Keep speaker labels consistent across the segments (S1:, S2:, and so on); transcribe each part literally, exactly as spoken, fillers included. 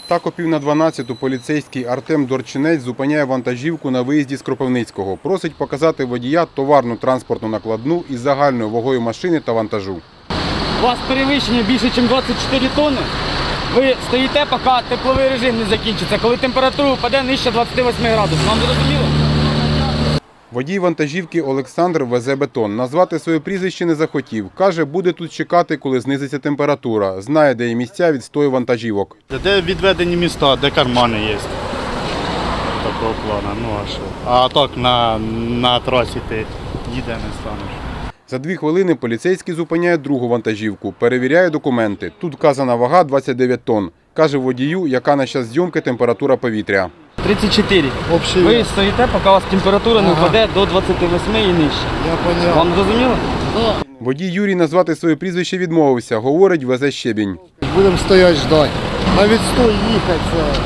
S1: Так о пів на дванадцяту поліцейський Артем Дорчинець зупиняє вантажівку на виїзді з Кропивницького. Просить показати водія товарну транспортну накладну із загальною вагою машини та вантажу.
S2: У вас перевищення більше, ніж двадцять чотири тонни. Ви стоїте, поки тепловий режим не закінчиться, коли температура впаде нижче двадцяти восьми градусів. Вам зрозуміло?
S1: Водій вантажівки Олександр везе бетон. Назвати своє прізвище не захотів. Каже, буде тут чекати, коли знизиться температура. Знає, де є місця відстою вантажівок.
S3: Де відведені міста, де кармани є. Такого плану. Ну а що? А так на, на трасі ти ніде не станеш.
S1: За дві хвилини поліцейський зупиняє другу вантажівку. Перевіряє документи. Тут вказана вага двадцять дев'ять тонн. Каже водію, яка на час зйомки температура повітря.
S2: тридцять чотири.
S3: Общий
S2: Ви
S3: вес.
S2: стоїте, поки у вас температура не
S3: Ага.
S2: впаде до двадцяти восьми і нижче.
S3: Я поняв.
S2: Вам зрозуміло?
S1: Водій Юрій назвати своє прізвище відмовився. Говорить, везе щебінь.
S4: Будемо стояти, ждати. На відстой їхати, це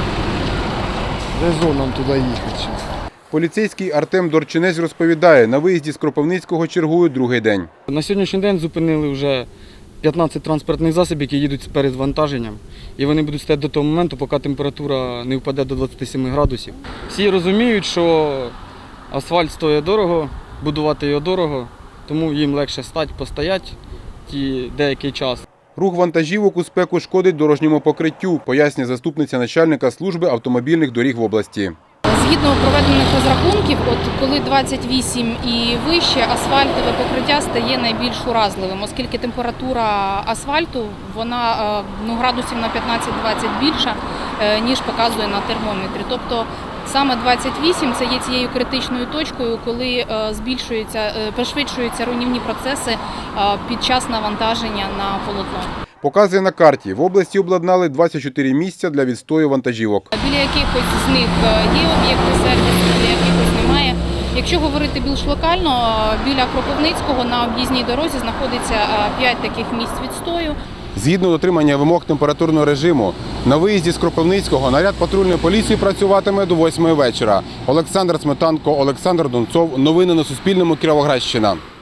S4: резон нам туди їхати.
S1: Поліцейський Артем Дорчинець розповідає, на виїзді з Кропивницького чергують другий день.
S2: На сьогоднішній день зупинили вже п'ятнадцять транспортних засобів, які їдуть перед вантаженням. І вони будуть стояти до того моменту, поки температура не впаде до двадцяти семи градусів. Всі розуміють, що асфальт стоїть дорого, будувати його дорого, тому їм легше стати, постояти ті деякий час.
S1: Рух вантажівок у спеку шкодить дорожньому покриттю, пояснює заступниця начальника служби автомобільних доріг в області.
S5: Згідно проведених розрахунків, от коли двадцять вісім і вище, асфальтове покриття стає найбільш уразливим, оскільки температура асфальту вона ну, градусів на п'ятнадцять-двадцять більша, ніж показує на термометрі. Тобто саме двадцять вісім це є цією критичною точкою, коли збільшуються, пришвидшуються руйнівні процеси під час навантаження на полотно.
S1: Показує на карті. В області обладнали двадцять чотири місця для відстою вантажівок.
S5: Біля якихось з них є об'єкти сервісу, біля якихось немає. Якщо говорити більш локально, біля Кропивницького на об'їзній дорозі знаходиться п'ять таких місць відстою.
S1: Згідно дотримання вимог температурного режиму, на виїзді з Кропивницького наряд патрульної поліції працюватиме до восьмої вечора. Олександр Сметанко, Олександр Донцов. Новини на Суспільному. Кіровоградщина.